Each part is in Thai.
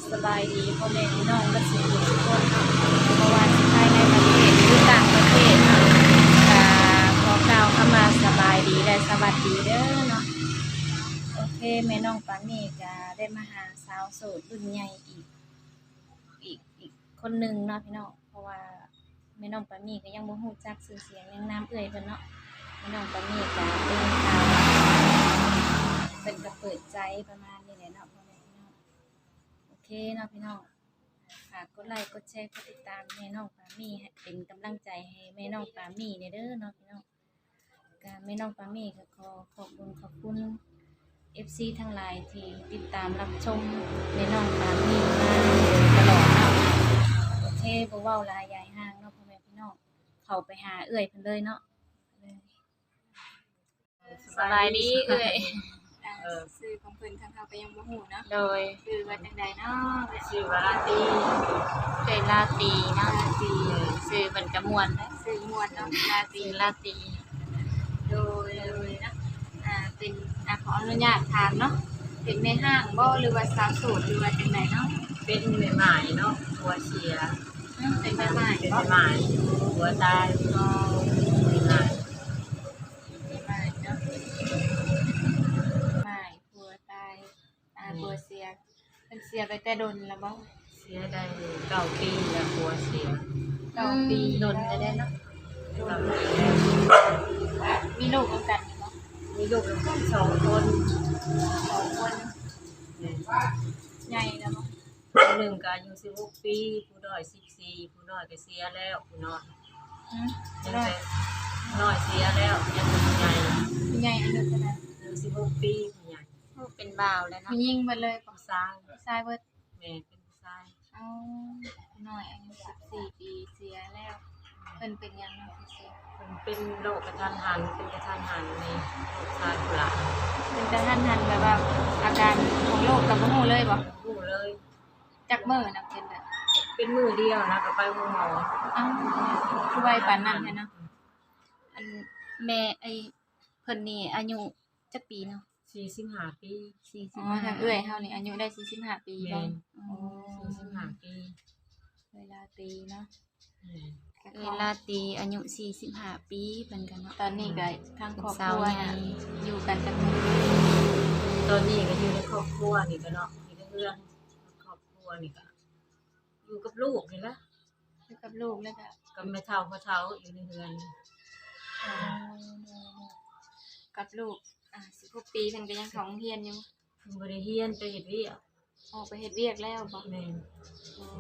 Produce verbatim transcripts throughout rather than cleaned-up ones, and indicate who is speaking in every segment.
Speaker 1: สบายดีพ่อแม่พี่น้องและสิ่งทุกคนเนาะเพราะว่าสิภายในประเทศหรือต่างประเทศเนาะก็ขอกล่าวเข้ามาสบายดีและสวัสดีเด้อเนาะโอเคแม่น้องปานี่ก็ได้มาหาสาวโสดรุ่นใหญ่อีกอีกอีกคนหนึงเนาะพี่น้องเพราะว่าแม่น้องปานี่ก็ยังบ่ฮู้จักชื่อเสียงยังนามเอ่ยเพิ่นเนาะแม่น้องปานี่ก็เป็นข่าวเป็นก็เปิดใจประมาณนี้แหละเนาะพ่อแม่พี่น้องโอเคเนาะพี่น้องฝากกดไลค์กดแชร์กดติดตามแม่น้องปามี่ให้เป็นกำลังใจให้แม่น้องปามี่เด้อเนาะพี่น้องก็แม่น้องปามี่ก็ขอขอบคุณขอบคุณ เอฟ ซี ทั้งหลายที่ติดตามรับชมแม่น้องปามี่มาตลอดเนาะโอเคบ่เว้าหลายยายห่างเนาะพ่อแม่พี่น้องเข้าไปหาเอื้อยเพิ่นเลยเนาะสบายดีเอื้อย
Speaker 2: ซื้อของเพิ่นทางเฮาก็ยังบ่ฮู้เนาะ
Speaker 1: โดย
Speaker 2: คือว่าจังใดเนาะ
Speaker 3: ชื่อว่าลาตี
Speaker 1: เอื้อยลาตรีเนาะสิชื่อเพิ่นก็ม่วนเด้อ
Speaker 2: ซื้อม่วนเนาะลาตี
Speaker 1: ชื่อลาตรี
Speaker 2: โดยเลยเนาะอ่าเป็นอ่าขออนุญาตถามเนาะเป็นแม่ห้างบ่หรือว่าสาวโสดหรือว่าจังไดเนาะ
Speaker 3: เป็นแม่หมายเนาะหัวเสีย
Speaker 2: อืมเป็นแม่ไม้
Speaker 3: เป็น
Speaker 2: บ่
Speaker 3: แม่หมายหัวตายก็แม่หมาย
Speaker 2: แม่ไม้เนาะไม้ผัวตายอ่าผัวเสียเพิ่นเสียไปแต่ดนแล้วบ่
Speaker 3: เสียได้เก้าปีแล้วหัวเสีย
Speaker 2: เก้าปี
Speaker 1: ดนจะได้เนาะ
Speaker 3: เก้าปีแล้ว
Speaker 2: มีลูกนํกันอยู่บ่
Speaker 3: มีลูกทั้งหมดสองคน
Speaker 2: สองคนใหญ่แล้วบ่
Speaker 3: ผู้หนึ่งก็อายุสิบหกปีผู้น้อยสิบสี่ผู้น้อยก็เสียแล้วผู้น้อย
Speaker 2: อืม
Speaker 3: ยัง
Speaker 2: น้อย
Speaker 3: แต่น้อยเสียแล้วยังเป็นใหญ่
Speaker 2: ใหญ่อายุเท่านั้น
Speaker 3: อายุสิบหกปีผู้ใหญ่
Speaker 1: เป็นบ่าวแล้วเนาะ
Speaker 2: ผู้หญิงเบิดเลยบ่
Speaker 3: ผู้ชาย
Speaker 2: ผู้ชายเบิด
Speaker 3: แม่เป็นผู้ชาย
Speaker 2: เอาหน่อยอายุสิบสี่ปีเสียแล้วเพิ่นเป็นหยังเนาะที่เสีย
Speaker 3: มันเป็นโรคกระทันหันเป็นกระทันหันในลูกชายผู้หลาน
Speaker 2: เป็นกระทันหันแบบว่าอาการของโรคกับบ่ฮู้เลยบ่
Speaker 3: ผู้เลย
Speaker 2: จักมื้อน่ะเป็นแบบ
Speaker 3: เป็นมือเดียวนะก็ไปหาหมอ
Speaker 2: อ้าวคือไวปานนั้นแท้เนาะ
Speaker 1: อันแม่ไอ้เพิ่นนี่อายุจักปีเนาะ
Speaker 3: สี่สิบห้าปี
Speaker 1: สี่สิ
Speaker 2: อ๋
Speaker 1: บ
Speaker 2: อ
Speaker 1: ห้า
Speaker 2: ทางเอื้อยเฮานี่อายุได้สี่สิบห้าปี
Speaker 3: แม่
Speaker 2: บ่
Speaker 3: น
Speaker 2: อ๋อ
Speaker 3: สี่สิบห้าปี
Speaker 2: เวลาตีเนาะ
Speaker 3: แม่น
Speaker 1: เวลาตีอายุสี่สิบห้าปีเพิ่นกันเนาะ
Speaker 2: ตอนนี้ก็ทางครอบค
Speaker 1: สาว
Speaker 2: รัว
Speaker 1: ใหญ่
Speaker 2: น่ะอยู่กันจักมื้อ
Speaker 3: ตอนนี้ก็อยู่ในครอบครัวนี่ก็เนาะมีแต่เพื่อนครอบครัวนี่ก็อยู่กับลูกนี่ละ
Speaker 2: อยู่กับลูกแล้วก็
Speaker 3: กับแม่เฒ่าพ่อเฒ่าอยู่ในเรือน
Speaker 2: อ๋อกับลูกอ่าสิบหกปีเพิ่นก็ยังเข้าโรงเรียนอยู่
Speaker 3: เพิ่นบ่ได้เรียนไปเฮ็ดเวียก
Speaker 2: ออกไปเฮ็ดเวียกแล้วบ่
Speaker 3: แม่น
Speaker 2: อ๋อ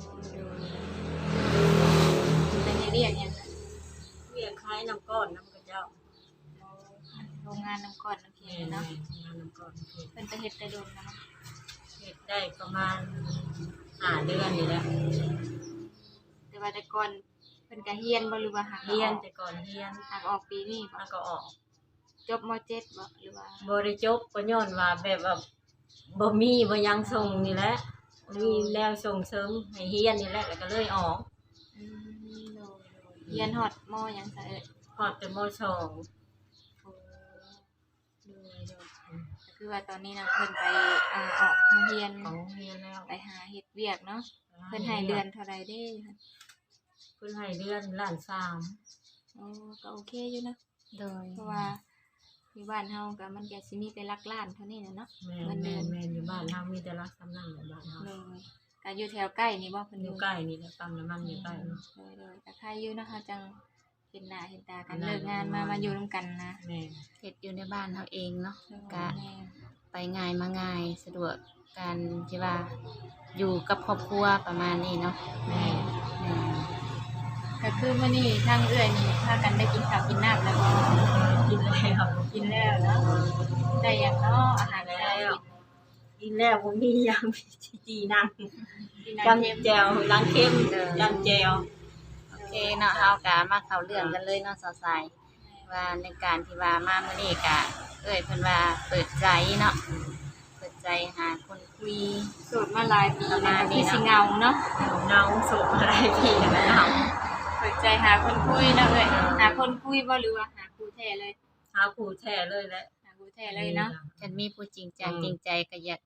Speaker 2: ดูเป็นเฮ็ดเวียกหยัง
Speaker 3: เวียกคล้ายน้ำก้อนน้ำกระเจ้า
Speaker 2: โรงงานน้ำก้อนน้ำเค็
Speaker 3: แม่
Speaker 2: ม
Speaker 3: น
Speaker 2: เนาะ
Speaker 3: งานน้ำก้อนเฮ็ด
Speaker 2: เพิ่นไปเฮ็ดแต่โดนแล้วเนาะ
Speaker 3: เฮ็ดได้ประมาณห้าเดือนนี่แหละ
Speaker 2: แต่ว่าแต่ก่อนเพิ่นก็เรียนบ่หรือว่าหัก
Speaker 3: เรียนแต่ก่อนเรียน
Speaker 2: หักออกปีนี้บ่
Speaker 3: แล้วก็ออก
Speaker 2: จบม เจ็ด บ่หรือว่า
Speaker 3: บ่ได้จบก็ย้อนว่าแบบว่าบ่มีบ่ยังส่งนี่แหละมีแล้วส่งเสริมให้เรียนนี่แหละแล้วก็เลยออก
Speaker 2: อืมโดยๆเรียนฮอดมหยังซะเอ้ย
Speaker 3: พอดแต่มสอง
Speaker 2: โอ้โดยๆก็คือว่าตอนนี้น่ะเพิ่นไปอ่าออกโรงเรียน
Speaker 3: ของเรียนแล้ว
Speaker 2: ไปหาเฮ็ดเวียกเนาะเพิ่นให้เดือนเท่าใดเด้คะ
Speaker 3: เพิ่นให้เดือนล้านสาม
Speaker 2: อ๋อก็โอเคอยู่นะ
Speaker 1: โดย
Speaker 2: เพราะว่าที่บ้านเฮาก็มันก็สิมีแต่หลักล้านเท่านี้น่ะเนาะ
Speaker 3: แม่
Speaker 2: เงินเดื
Speaker 3: แม่
Speaker 2: อน
Speaker 3: แม่อยู่บ้านเฮามีแต่รักสำนักในบ้านเฮา
Speaker 2: เลยก็อยู่แถวใกล้นี่บ่เพิ่น
Speaker 3: อยู่ใกล้นี่แหละปั๊มน้ำมันอยู่ใกล้เนาะ
Speaker 2: เลยเลยแต่ใครอยู่เนาะเฮาจังเห็นหน้าเห็นตากันเลิกงานมามาอยู่ร่วมกันนะ
Speaker 3: แม่
Speaker 1: เฮ็ดอยู่ในบ้านเฮาเองเนาะ
Speaker 2: ก็
Speaker 1: ก็ไปง่ายมาง่ายสะดวกการที่ว่าอยู่กับครอบครัวประมาณนี้เนาะ
Speaker 3: แม่
Speaker 1: อืม
Speaker 2: ก็คือมื้อนี้ทางเอื้อยนี่พากันได้กินข้าวกินน้ำแล้วบ่
Speaker 3: กินแล้ว
Speaker 2: กินแล้วเนาะได้หยังเนาะอาหาร
Speaker 3: แล้
Speaker 2: เช้าว
Speaker 3: กินแล้วบ่มีหยังจีนั่ง
Speaker 2: กิน
Speaker 3: จัง
Speaker 2: น้ำเค็ม
Speaker 3: แจวล้างเค็มจังแจว
Speaker 1: โอเคเนาะเฮาก็มาเข้าเรื่องกันเลยเนาะสาวสายว่าในการที่ว่ามามื้อนี้ก็เอ้ยเพิ่นว่าเปิดใจเนาะเปิดใจหาคนคุย
Speaker 2: สูตรมาหลายปีแล้วก็คือสิเหงาเนาะ
Speaker 3: เงาสูบอะไรพี่นะเงา
Speaker 2: เปิดใจหาคนคุยเนาะเอ้ยหาคนคุยบ่หรือว่าหาคู่แท้เลย
Speaker 3: หาผู้แท้เลยแหละ
Speaker 2: หาคู่แท้เลยเนาะ
Speaker 1: ฉันมีผู้จริงจังจริงใจก็อยาก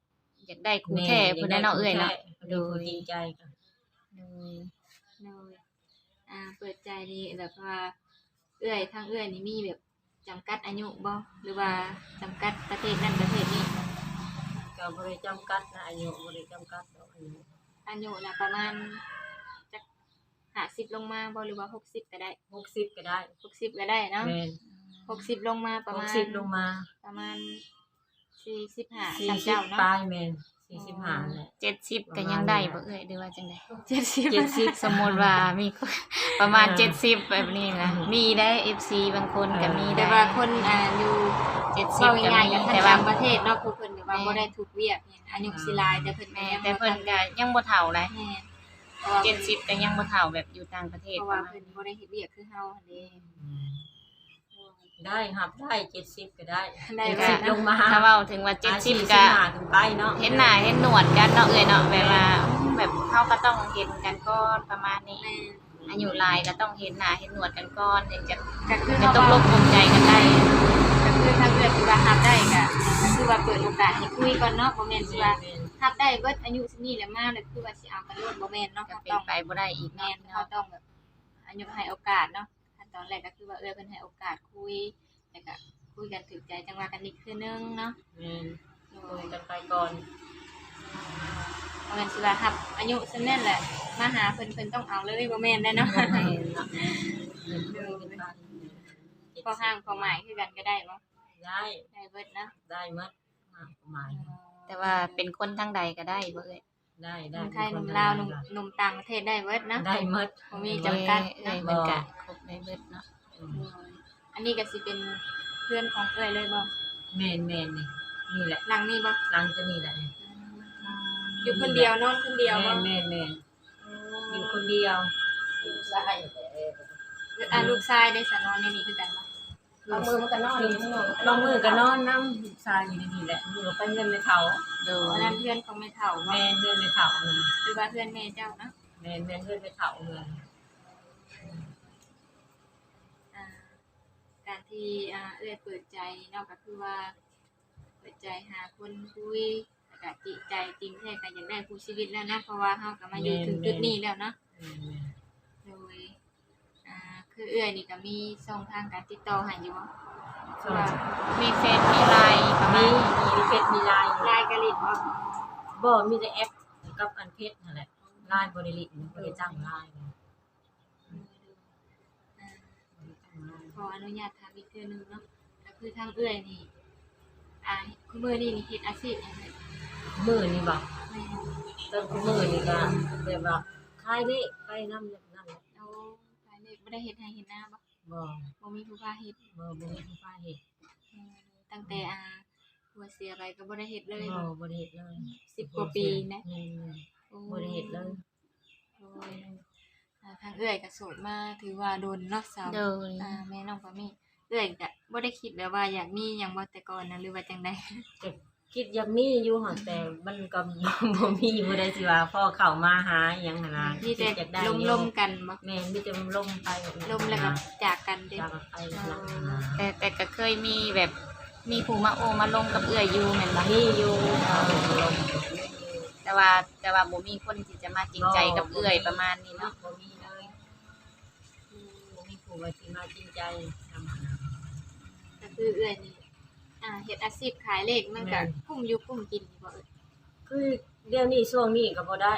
Speaker 1: อยากได้คู่แท้เพิ่นได้เนาะเอ้ยเนาะ
Speaker 3: โดยจริงใจกัน
Speaker 1: โดย
Speaker 2: โดยอ่าเปิดใจนี่แบบว่าเอื้อยทางเอื้อยนี่มีแบบจำกัดอายุบ่หรือว่าจำกัดประเทศนั้นประเทศนี้
Speaker 3: ก็บ่ได้จำกัดนะอายุบ่ได้จำกัดดอกอายุ
Speaker 2: อายุน่ะประมาณจักห้าสิบลงมาบ่หรือว่าหกสิบก็ได้
Speaker 3: หกสิบก็ได้
Speaker 2: หกสิบก็ได้เนาะ
Speaker 3: แม่น
Speaker 2: หกสิบลงมาประ
Speaker 3: ห
Speaker 2: มาก ณ
Speaker 3: สิบลงมา
Speaker 2: ประมาณสี่สิบห้า
Speaker 3: สี่
Speaker 2: สาม
Speaker 3: สิบ
Speaker 2: เจ้าเนาะ
Speaker 3: ปลายแม่นสี่สิบห้าแหละ
Speaker 1: เจ็ดสิบก็ยังได้บ่เอ้ยหรือว่าจังได๋
Speaker 2: เจ็ดสิบ
Speaker 3: เจ็ดสิบ
Speaker 1: สมมุติว่ามีคนประมาณเจ็ดสิบแบบนี้นะมีได้ เอฟ ซี บางคนก็มี
Speaker 2: แต่
Speaker 1: ได้
Speaker 2: ว่าคนอ่าอยู่
Speaker 1: เจ็ดสิบ
Speaker 2: เว้า
Speaker 1: ก็
Speaker 2: ง่ายๆ
Speaker 1: มี
Speaker 2: กับทาง
Speaker 1: แต่ว่า
Speaker 2: ต่างประเทศเนาะคือเพิ่นแบบว่าบ่ได้ถูกเวียกเนี่ยอายุสิหลายแต่เพิ่นก็
Speaker 1: แม่
Speaker 2: ยัง
Speaker 1: แต่เพิ่นก็ยังบ่เฒ่าเลย
Speaker 2: แม่นเพราะว่า
Speaker 1: เจ็ดสิบก็ยังบ่เฒ่าแบบอยู่ต่างประเทศ
Speaker 2: เพราะ
Speaker 1: ป
Speaker 2: ว่า
Speaker 1: ระมาณ
Speaker 2: เพิ่น
Speaker 1: นี้
Speaker 2: บ่ได้เฮ็ดเวียกคือเฮาหั่นเด้
Speaker 3: ได้ครับได้เจ็ดสิบก็ได้
Speaker 2: ได้
Speaker 3: เจ็ด
Speaker 2: ว่า
Speaker 3: สิบลงมา
Speaker 1: ถ้าเว้าถึงว่าเจ็ดสิบ
Speaker 3: อ่า
Speaker 1: ก็
Speaker 3: ห้าถึงไปเนาะ
Speaker 1: เห็นหน้าเห็นหนวดกันเนาะเอ้ยเนาะแบบว่าแบบเฮาก็ต้องเห็นกันก่อนประมาณนี้
Speaker 2: แม่น
Speaker 1: อายุหลายก็ต้องเห็นหน้าเห็นหนวดกันก่อนถึงจะ
Speaker 2: ก็คือ
Speaker 1: จะ
Speaker 2: เฮา
Speaker 1: ต้อง
Speaker 2: เว้า
Speaker 1: ลงปลงใจกันได้
Speaker 2: ก็คือถ้าเกิดว่ารับได้ก็ก็คือว่าเปิดโอกาสให้คุยก่อนเนาะบ่แม่นสิว่ารับได้เบิดอายุสินี้แล้วมาแล้วคือว่าสิเอากันโลดบ่แม่นเนาะ
Speaker 1: ก็
Speaker 2: ก็
Speaker 1: เป็น
Speaker 2: ต้อง
Speaker 1: ไปบ่ได้อีก
Speaker 2: แม่
Speaker 1: เนาะ
Speaker 2: นเขาต้องแบบอายุให้โอกาสเนาะขั้นตอนแรกก็คือว่าเออเพิ่นให้โอกาสคุยแล้วก็คุยกันถูกใจจังว่ากันอีกคือนึงเนาะ
Speaker 3: แม่น
Speaker 2: โด
Speaker 3: คุ
Speaker 2: ย
Speaker 3: ยกันไปก่อน
Speaker 2: บ่แม่นสิว่ารับอายุซำนั้นแหละมาหาเพิ่นเพิ่นต้องเอาเลยบ่แม่นได้เนาะ
Speaker 3: แม่นเนาะเพิ่นคุยกันไป
Speaker 2: พอห้างพอหมายคือกันก็ได้บ่
Speaker 3: ได้
Speaker 2: ได้เบิดเนาะ
Speaker 3: ได้หมดอ่าประมาณ
Speaker 1: แต่ว่าเป็นคนทางใดก็ได้บ่เอ้ย
Speaker 3: ได้
Speaker 2: ห
Speaker 3: ได้
Speaker 2: นุ่มไทยหนุ่มลาวหนุ่มหนุ่มต่างประเทศได้เบิดเนาะ
Speaker 3: ได้หมด
Speaker 2: บ่มีจำกัด
Speaker 1: เอ้
Speaker 2: เนาะ
Speaker 1: ยมันก็ครบได้เบิดเนาะ
Speaker 3: อืม
Speaker 2: อันนี้ก็สิเป็นเพื่อนของเอ้ยเลยบ่
Speaker 3: แม่นแม่นนี่นี่แหละ
Speaker 2: หลังนี้บ่
Speaker 3: หลังจะนี่แหละนี่
Speaker 2: อยู่คนเดียวนอนคนเดียวบ่
Speaker 3: แม่นแม่นแม่นอยู่คนเดียว
Speaker 2: อ่าลูกชายได้สนอนในนี้คือกันบ่
Speaker 3: บางมือมันก็นอนอยู่ข้างนอกบางมือก็นอนน้ำลูกชายอยู่ในนี่แหละมือก็ไปเงินในเขา
Speaker 1: โด
Speaker 2: อัน
Speaker 1: ย
Speaker 2: นั้นเพื่อนของแม่เฒ่าบ่
Speaker 3: แม่นเงินในเขาเงิน
Speaker 2: หรือว่าเพื่อนแม่เจ้าเนาะ
Speaker 3: แม่นแม่นเงินในเขาเงิน
Speaker 2: อ่าการที่อ่าเอื้อยเปิดใจเนาะก็คือว่า เปิดใจหาคนคุยแล้วก็จิตใจจริงแท้ก็อยากได้คู่ชีวิตแล้วเนาะเพราะว่าเฮาก็มาอยู่ถึงจุดนี้แล้วเนาะ
Speaker 3: แม่นแม่น
Speaker 2: โดยอ่าคือเอื้อยนี่ก็มีช่องทางการติดต่อให้อยู่บ่
Speaker 3: ส่วน
Speaker 2: ว่า
Speaker 1: มีเฟซมีไลน์ประมา
Speaker 3: มี
Speaker 1: ณนี้
Speaker 3: มีเพชรมีลาย
Speaker 2: ไลน์กะลิดบ่
Speaker 3: บ่มีแต่แอปกับอันเพชรนั่นแหละลายบริลิตบริจ้างลาย
Speaker 2: อ่าขออนุญาตถามอีกเทื่อนึงเนาะก็คือทางเอื้อยนี่อ่าคือมื้อนี้นี่เฮ็ดอาชีพหยังไง
Speaker 3: มือนี่บอก
Speaker 2: แม่
Speaker 3: ต้นมือนี่ก็แบบว่าคลายเลขไปน้ำนั่นแหละ
Speaker 2: เอาขายเลขบ่ได้เฮ็ดให้เฮ็ดหน้าบ่
Speaker 3: บ่
Speaker 2: บ่มีผู้พาเฮ็ด
Speaker 3: บ่บ่มีผู้ฟ้าเฮ็ด
Speaker 2: เออตั้งแต่อ่าผัวเสียไปก็บ่ได้เฮ็ดเลย
Speaker 3: บ่บ่ได้เฮ็ดเลย
Speaker 2: สิบกว่าปีนะ
Speaker 3: แม่น
Speaker 2: โอ้
Speaker 3: ๆบ่ได้เฮ็ดเลย
Speaker 2: โอ้ยอ่าทางเอื้อยก็โสดมาถือว่าโดนเนาะสาว
Speaker 1: โดย
Speaker 2: อ่าแม่น้องปามี่เอื้อยก็บ่ได้คิดแบบว่าอยากมีหยังบ่แต่ก่อนนะหรือว่าจังได๋
Speaker 3: ก็คิดอยากมีอยู่หั่นแต่มันก็ บ่มีบ่ได้สิว่าพ่อเข้ามาหาอิหยังหั่นน่ะ
Speaker 2: มีแต่
Speaker 3: อยากได้
Speaker 2: ลมๆกันบ่
Speaker 3: แม่นมีแต่ลมไปแบบนั้น
Speaker 2: ลมแล้วก็จากกันเด้
Speaker 3: จากกันไปแบบนั้นนะ
Speaker 1: แต่แต่ก็เคยมีแบบมีผู้มาโอมาลงกับเอื้อยอยู่แม่นบ่
Speaker 3: มีอยู่เออลม
Speaker 1: แต่ว่าแต่ว่าบ่มีคนที่จะมาจริงใจกับเอื้อยประมาณนี้เนาะ
Speaker 3: บ่มีเลยบ่มีผู้ว่าสิมาจริงใจทำหา
Speaker 2: ก็คือเอื้อยนี่อ่าเฮ็ดอาชีพขายเลขมันก็
Speaker 3: แม่น
Speaker 2: คุ้มอยู่คุ้มกินอยู่บ่เอ้ย
Speaker 3: คือเดี๋ยวนี้ช่วงนี้ก็บ่ได้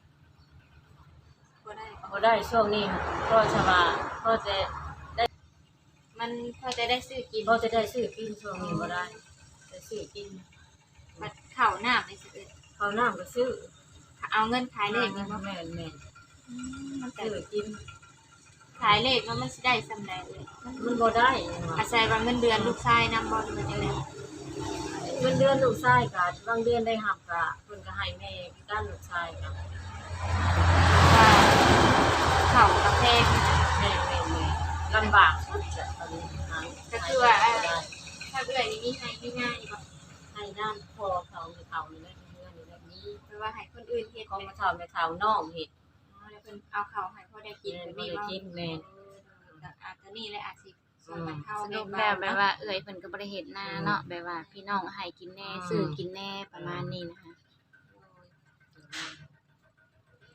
Speaker 2: บ่ได้
Speaker 3: บ่ได้ช่วงนี้ก็จะว่าก็จะ
Speaker 2: มันพอจะได้ซื้อกิน
Speaker 3: ก็จะได้ซื้อกินช่วงนี้บ่ได้จะซื้อกิน
Speaker 2: บัดข้าวน้ำนี่สิเอ้ย
Speaker 3: ข้าวน้ำก็ซื้อ
Speaker 2: เอาเงินขายเลขนี่บ่
Speaker 3: แม่นแม่น
Speaker 2: อืมมันก็
Speaker 3: ซื้อกิน
Speaker 2: ขายเลขแล้วมันสิได้สำใดเอ้ยมัน
Speaker 3: มันบ่ได้
Speaker 2: อาศัยว่าเงินเดือนลูกชายนำบ่หรือว่าจังได๋
Speaker 3: เงินเดือนลูกชายก็บางเดือนได้รับก็เพิ่นก็ให้แม่ด้านลูกชายก็
Speaker 2: ว่าข้าวกาแฟ
Speaker 3: แม่แม่แม่ลำบากสุดจะตอนนี้หา
Speaker 2: ก็คือว่าอ่าถ้าเอื้อยนี่มีให้มีง่ายบ่
Speaker 3: ให้ด้านพ่อเขาในเขานี่แหละเงินนี่แหละนี้
Speaker 2: หรือว่าให้คนอื่นเฮ็ด
Speaker 3: ของ
Speaker 2: แม่
Speaker 3: มาเฒ่าแม่เฒ่าน้องเฮ็ด
Speaker 2: อ๋อแล้วเพิ่นเอาข้าวให้พ่อได้กิน
Speaker 3: แม่
Speaker 2: แบบ
Speaker 3: บ่
Speaker 2: นี้
Speaker 3: ได้
Speaker 2: บ่
Speaker 3: กินแม่
Speaker 2: ก็อาจจะนี่แหละอาจสิส่วนมันเข้า
Speaker 1: ส
Speaker 2: แม่
Speaker 1: รุป
Speaker 2: บ้า
Speaker 1: แล้ว
Speaker 2: น
Speaker 1: แบบ
Speaker 2: เนาะ
Speaker 1: ว่าเอื้อยเพิ่นก็บ่ได้เฮ็ดนาเนาะแบบว่าพี่น้องให้กินแน่ซื้อกินแน่ประมาณนี้นะคะ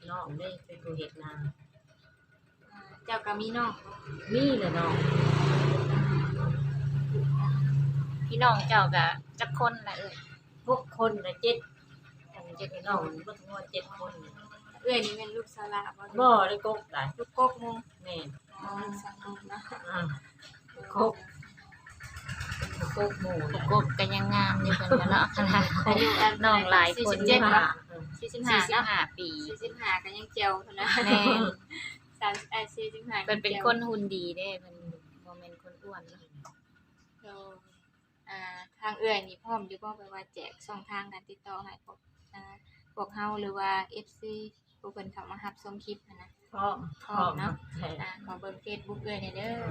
Speaker 3: น้องได้เป็นผู้เฮ็ดนา
Speaker 2: อ่าเจ้าก็มีน้อง
Speaker 3: มีแหละน้อง
Speaker 1: พี่น้องเจ้าก็จักคนละเอ้ย
Speaker 3: หกคนละเจ็ดกันเจ็ดน้องบ่ถึงว่าเจ็ดคน
Speaker 2: เอื้อยนี่เป็นลูกสาวละบ่
Speaker 3: บ่ได้กกได้
Speaker 2: ลูกกกหมู่
Speaker 3: แม่น
Speaker 2: อ๋อลูกสาวกกเนาะ
Speaker 3: อ่า กก กกหมู่
Speaker 1: กบก็ยังงามอยู่เพิ่นก็เนาะขนาด
Speaker 2: อายุอัน
Speaker 1: น้องหลายคน
Speaker 2: สี่สิบเจ็ด
Speaker 3: ค่ะ
Speaker 2: เนาะ
Speaker 1: สี่
Speaker 2: สี่
Speaker 1: สิ
Speaker 2: สิ
Speaker 1: บบ
Speaker 2: ห้าเนาะ
Speaker 1: ห้าปี
Speaker 2: สี่สิบห้าก็ยังเจียวเท่านั้น
Speaker 1: แม่น
Speaker 2: สามเอ่อสี่สิบห้า
Speaker 1: เพิ่นเป็นคนหุ่นดีเด้เพิ่นบ่แม่นคนอ้วนเนาะ
Speaker 2: โดยอ่าทางเอื้อยนี่พร้อมอยู่บ่ไปว่าแจกช่องทางการติดต่อให้พวกอ่าพวกเฮาหรือว่า เอฟ ซี ผู้เพิ่นเข้ามารับชมคลิปหั้นนะ
Speaker 3: พร้อมพร้อมเนาะแท้
Speaker 2: อ่าขอเบิ่ง Facebook เอื้อยหน่อยเด้อ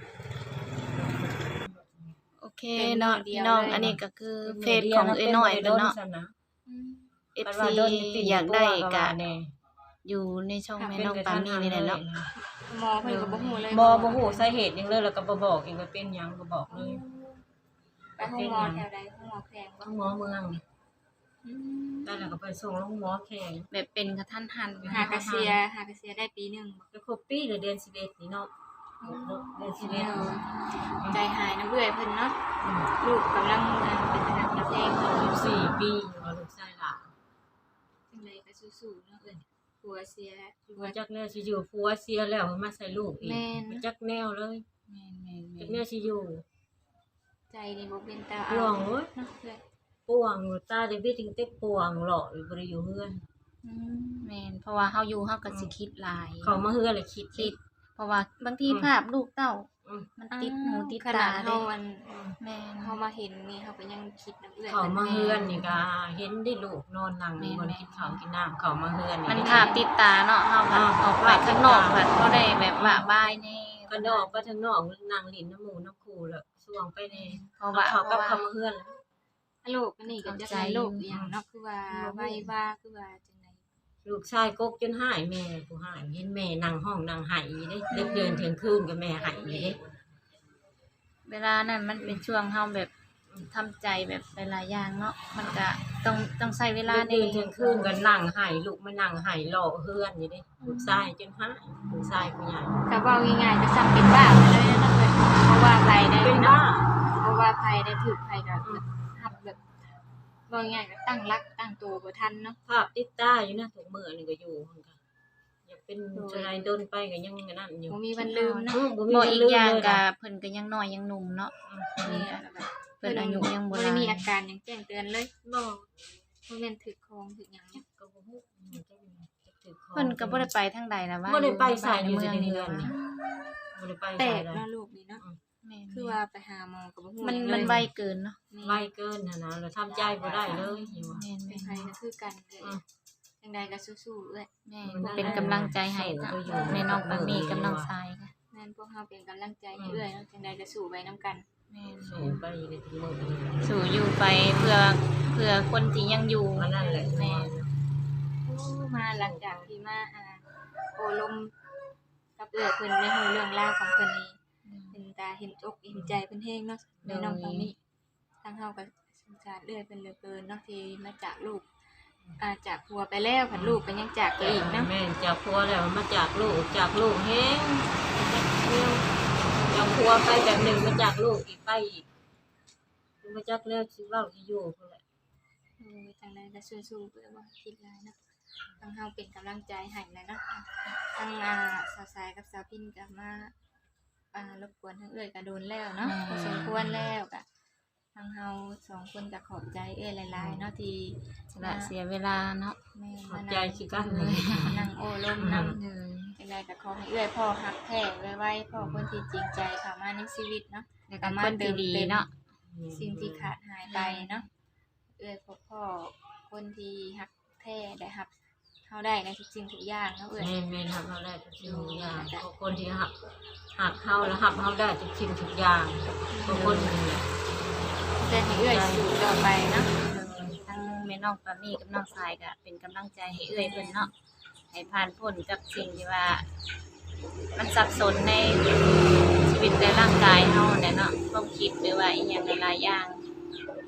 Speaker 1: โอเค
Speaker 2: เป็น
Speaker 1: เนาะ
Speaker 2: มือเดี
Speaker 1: พี่
Speaker 2: ยว
Speaker 1: น้อง
Speaker 2: เลย
Speaker 1: อันนี้ก็คือเฟซของเอ้ยน้อยเพิ่นเนาะ
Speaker 2: อืม
Speaker 1: เอฟ ซี อยากได้ก็
Speaker 3: แน่
Speaker 1: อยู่ในช่องแม่น้องปามี่นี่แหละเนาะ
Speaker 2: หมอเพิ่นก็บ่ฮู้เลย
Speaker 3: บ่บ่ฮู้สาเหตุหยังเลยแล้วก็บ่บอกอีกว่าเป็นหยังบ่บอกเลย
Speaker 2: ไปห้องหมอแถวใดห้องหมอแพงบ่
Speaker 3: ต้องหมอเมือง
Speaker 2: อืม
Speaker 3: ได้แล้วก็ไปส่งโรงหมอแข่ง
Speaker 1: แบบเป็นกระทันหัน
Speaker 2: หากระเซียหากระเซียได้ปีหนึงบ่
Speaker 3: ก็ครบปีเลยเดือนสิบเอ็ดนี่เนาะเดือนสิบเอ็ด
Speaker 2: ใจหายน้ำเอื้อยเพิ่นเนาะลูกกำลังอ่าเป็นพนักงานเพลงเพิ่น
Speaker 3: สิบสี่ปีว่าลูกชายหลาน
Speaker 2: จังไดก็สู้ๆเนาะเอ้ยผัวเสียผัว
Speaker 3: ว่าจักแนวสิอยู่ผัวเสียแล้วมาใส่ลูกอีก
Speaker 2: แม่น
Speaker 3: จักแนวเลย
Speaker 1: แม่นแม่น
Speaker 3: จัก
Speaker 1: แม่
Speaker 3: แนวน สิอยู่
Speaker 2: ใจนี่บ่เป็นตา
Speaker 3: ห่วงเว้ย
Speaker 2: เนาะเอ้ย
Speaker 3: ป่วงตาได้บิดถึงเต็กป่วงหล่ออยู่บ่ได้อยู่เฮือน
Speaker 2: อืม
Speaker 1: แม่นเพราะว่าเฮาอยู่เฮาก็สิคิดหลาย
Speaker 3: เขามาเฮือนเลยคิด
Speaker 1: คิด เพราะว่าบางทีภาพลูกเต้า
Speaker 3: อืม
Speaker 1: มันติดหูติด
Speaker 2: ข
Speaker 1: ตา
Speaker 2: นาด
Speaker 1: เด้
Speaker 2: เฮาอัน
Speaker 1: แม่น
Speaker 2: เฮามาเห็นนี่เฮาก็ยังคิดน้ำเอื้อย
Speaker 3: เขามา
Speaker 2: พิ่
Speaker 3: เฮือนนี่ก็เห็นได้ลูกนอนนั่งบนกินข้าวกินน้ำเขามาเฮือน
Speaker 1: มัน
Speaker 3: นี่
Speaker 1: ภาพติดตาเนาะเฮาก็
Speaker 3: อ่า
Speaker 1: ออกไปข้างนอกแบบบ่ได้แบบว่าบายแน่
Speaker 3: ก็นอกก็ทางนอกนั่งลิ้นน้ำหมูน้ำคูแล้วช่วงไปใน
Speaker 1: เพราะว่า
Speaker 3: เขา
Speaker 1: เพ
Speaker 3: กับ
Speaker 1: ราะว่า
Speaker 3: เขามาเฮือนแล้ว
Speaker 2: ฮัลโหลอันนี้ก็จะเป็นโรคอีหยังเนาะคือว่าไว้ว่าคือว่าจังได
Speaker 3: ลูกชายกกจนหายแม่ผู้หายเห็นแม่นั่งห้องนั่งหายได้เด็กเดินเที่ยงคืนกับแม่หายนี่เด้
Speaker 1: เวลานั้นมันเป็นช่วงเฮาแบบทำใจแบบหลายๆอย่างเนาะมันก็ต้องต้องใช้เวลา
Speaker 3: เด็ก
Speaker 1: ใน
Speaker 3: เดินเที่ยงคืนกันนั่งหายลูกมานั่งหายรอเฮือนนี่เด้ลูกชายจนหายลูกชายผู้ใหญ่
Speaker 2: ก็เว้าง่ายๆก็ซ้ำเป็นบ้าไปเลยนะเอ้ยเพราะว่าใครได้
Speaker 3: เป็นบ้า
Speaker 2: เพราะว่าใครได้ถูกใครก็หับแบบว่าง่ายๆก็ตั้งรักตั้งตัวบ่ทันเนาะ
Speaker 3: ภาพติดตาอยู่นะถูกมือนี่ก็อยู่หั่นค่ะอยากเป็นชายโดนไปก็ยังนั่นอยู่
Speaker 2: บ่มีวันลืมเนาะ
Speaker 3: อืมบ่มี
Speaker 1: บ่
Speaker 3: วัน
Speaker 1: อีก
Speaker 3: ลืม
Speaker 1: อย่าง
Speaker 3: เลย
Speaker 1: ก็
Speaker 3: นะ
Speaker 1: เพิ่นก็ยังน้อยยังหนุ่มเนาะ
Speaker 2: นี่ก็แบบ
Speaker 1: เพิ่นอายุยังบ่
Speaker 2: บ่
Speaker 1: ห
Speaker 2: ได้
Speaker 1: ลาย
Speaker 2: มีอาการหยังแจ้งเตือนเลย
Speaker 3: บ่
Speaker 2: บ่แม่นถึกคองถึกหยังเนาะ
Speaker 3: ก็บ่ฮู้อืมจักมันจักถือของ
Speaker 1: เพิ่นก็บ่ได้ไปทางใดนะว่า
Speaker 3: บ่ได้ไปไสอยู่
Speaker 1: เมื
Speaker 3: ใน
Speaker 1: อง
Speaker 3: เรื
Speaker 1: นี่
Speaker 3: อน
Speaker 1: ล่ะ
Speaker 3: นี่บ่ได้ไป
Speaker 2: แต
Speaker 3: ไส
Speaker 2: ก
Speaker 3: เลย
Speaker 2: เนาะลูกนี่เนาะ
Speaker 1: แม่น
Speaker 2: คือว่าไปหาหมอก็บ่ฮู้
Speaker 1: มัน
Speaker 2: หยังเลย
Speaker 1: มันไวเกินเนาะ
Speaker 2: นี่
Speaker 3: ไวเกินนะนะเราทำใจบ่ได้เลยอยู่ว่า
Speaker 1: แม่น
Speaker 2: เป็นไผก็คือกันเลย
Speaker 3: อืม
Speaker 2: จังใดก็สู้ๆเอ้ย
Speaker 1: แม่นเป็นกำลังใจให้ค่ะแม่น้องปามีกับน้องทรายค่ะ
Speaker 2: แม่นพวกเฮาเป็นกำลังใจให้เอ้ยเนาะจังใดก็สู้ไปนํกัน
Speaker 1: แม่น
Speaker 3: สู้ไปเลยถึงมื้อนี้
Speaker 1: สู่อยู่ไปเพื่อเพื่อคนที่ยังอยู่
Speaker 3: อันนั้นแหละ
Speaker 1: แม่น
Speaker 2: โอ้มาหลังจากที่มาอ่าโอลมกับเอื้อยเพิ่นได้รู้เรื่องราวของเพิ่นนี่เป็นตาเห็นอกเห็นใจเพิ่นแฮงเนาะแม่น้องตรงนี้ทางเฮาก็สงสารเอื้อยเพิ่นเหลือเกินเนาะที่มาจากลูกอ่าจากผัวไปแล้วผันลูกก็ยังจากไปอีกเนาะ
Speaker 3: แม่นจากพัวแล้วมาจากลูกจากลูกแฮงเดียวจากพัวไปแบบหนึ่งมาจากลูกอีกไปอีกมาจากแล้วสิเว้าสิอยู่พุ่นแหละ
Speaker 2: โอ้ยจังใดก็สู้ๆเพื่อบ่คิดหลายเนาะทางเฮาเป็นกำลังใจให้เลยเนาะทางอ่าสาวสายกับสาวพินก็มาอ่ารบกวนทางเอื้อยก็โดนแล้วเนาะพอสมควรแล้วก็ทางเฮาสองคนก็ขอบใจเอื้อยหลายๆเนาะที่
Speaker 1: ละเสียเวลาเนาะ
Speaker 2: แม่
Speaker 3: ขอ
Speaker 2: มา
Speaker 3: บใจ
Speaker 2: นั่ง
Speaker 3: สิกันเลย
Speaker 2: นั่งโอ้ลมนำ
Speaker 1: เลย
Speaker 2: จังใดก็ขอให้เอื้อยพ่อฮักแท้ไว้ๆพ่อคนที่จริงใจเข้ามาในชีวิตเนาะ
Speaker 1: แล้วก็คนที่ดีเนาะ
Speaker 2: สิ่งที่ขาดหายไปเนาะเอื้อยพบพ่อคนที่ฮักแท้ได้รับเฮาได้ในทุกสิ่งทุกอย่างเนาะเอื้อย
Speaker 3: แม่นแม่นหักเฮาได้ทุกสิ่งทุกอย่างเพราะคนที่หักหักเฮาแล้วหักเฮาได้ทุกสิ่งทุกอย่างเพราะคนนี่แหละ
Speaker 2: จะให้เอื้อยสู่ต่อไปเนาะ
Speaker 1: ทั้งแม่น้องปามีกับน้องทรายก็เป็นกำลังใจให้เอื้อยเพิ่นเนาะให้ผ่านพ้นกับสิ่งที่ว่า มันสับสนในชีวิตในร่างกายเฮาเนี่ยเนาะความคิดหรือว่าอีหยังหลายๆอย่าง
Speaker 2: โดยทางเฮ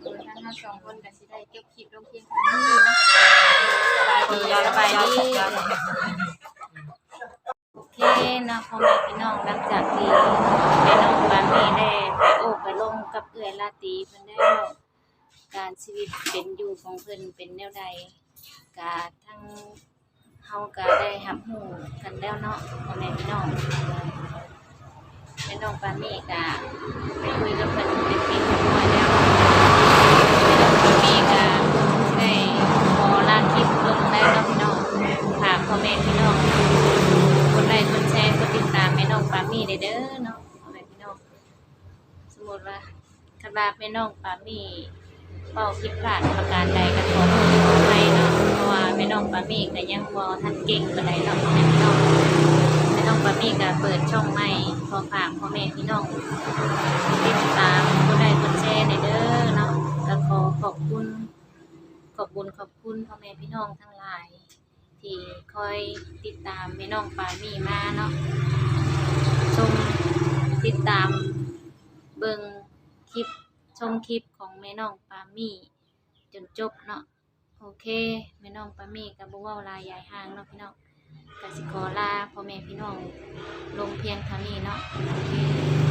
Speaker 2: เราสองคนก็สิได้เก็บคลิปลงเพียงเท่านี้เนาะสบายดีสบายดีโอเคเนาะพ่อแม่พี่น้องหลังจากที่แม่น้องปามีได้ไปโอบไปลงกับเอื้อยลาตรีเพิ่นได้เว้าการชีวิตเป็นอยู่ของเพิ่นเป็นแนวใดก็ทั้งเฮาก็ได้รับรู้กันแล้วเนาะพ่อแม่พี่น้องแม่น้องปามีก็ไปคุยกับเพิ่นเป็นที่เรียบร้อยแล้วแม่น้องปามีก็ได้ขอลาคลิปลงแล้วเนาะพี่น้องฝากพ่อแม่พี่น้องกดไลค์กดแชร์กดติดตามแม่น้องปามีได้เด้อเนาะพ่อแม่พี่น้องสมมุติว่าคันว่าแม่น้องปามีเว้าผิดพลาดประการใดก็ขอโทษขออภัยเนาะเพราะว่าแม่น้องปามีก็ยังบ่ทันเก่งปานใดเนาะพ่อแม่พี่น้องแม่น้องปามีก็เปิดช่องใหม่ขอฝากพ่อแม่พี่น้องติดตามกดไลค์กดแชร์ได้เด้อเนาะก็ขอขอบคุณขอบคุณขอบคุณพ่อแม่พี่น้องทั้งหลายที่คอยติดตามแม่น้องปามีมาเนาะชมติดตามเบิ่งคลิปชมคลิปของแม่น้องปามีจนจบเนาะโอเคแม่น้องปามีก็บ่เว้าหลายยายห่างเนาะพี่น้องก็สิขอลาพ่อแม่พี่น้องลงเพียงเท่านี้เนาะโอเค